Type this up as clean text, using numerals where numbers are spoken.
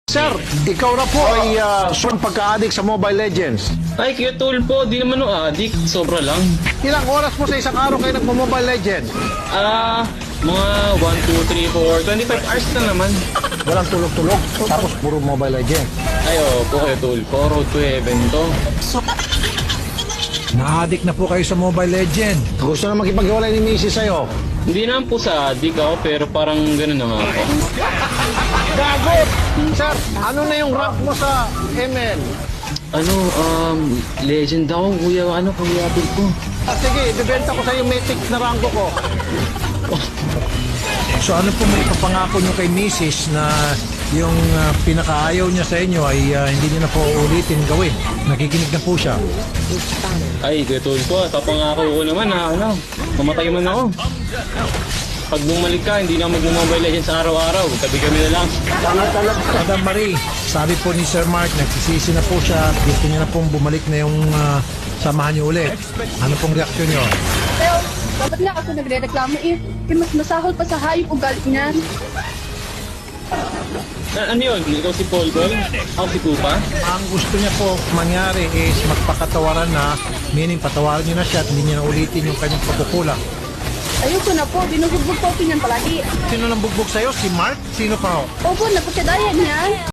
Sir, ikaw na po ay pagka-addict sa Mobile Legends. Ay, Kuya Tulpo, di naman addict. Sobra lang. Ilang oras po sa isang araw kayo nagmo-Mobile Legends? Mga 1, 2, 3, 4, 25 hours na naman. Walang tulog-tulog, tapos puro Mobile Legends. Ay, po Kuya Tulpo, road to heaven to. Na-addict na po kayo sa Mobile Legend. Gusto na makipag-iwalay ni Mrs. sa'yo. Hindi naman po sa addict ako, pero parang gano'n na nga ako. Gago! Sir, ano na yung rank mo sa ML? Legend ako, Kuya Tulpo. Sige, ibibenta ko sa'yo Mythic na rango ko. So ano po may papangako nyo kay Mrs. na yung pinakaayaw niya sa inyo ay hindi niya na po ulitin gawin? Nakikinig na po siya. Ay, Kuya Tulpo, papangako ko naman na mamatay man ako. Pag bumalik ka, hindi na mag-Mobile Legends araw-araw. Tabi kami na lang. Madam Marie, sabi po ni Sir Mark, nagsisisi na po siya. Gusto niya na pong bumalik na yung samahan niyo ulit. Ano pong reaksyon niyo? Pero, dapat nga ako nagre-reklamo mas masahol pa sa hayop ugali niyan. Ano yun? Ikaw si Paul Gol? Ako si Kupa? Ang gusto niya po mangyari is magpakatawaran na, meaning patawaran niyo na siya at hindi niya na ulitin yung kanyang pagkukulang. Ayoko na po, binubugbog po pinyan palagi. Sino nang bugbog sa'yo? Si Mark? Sino pa ho? Opo, napagkadayan niya.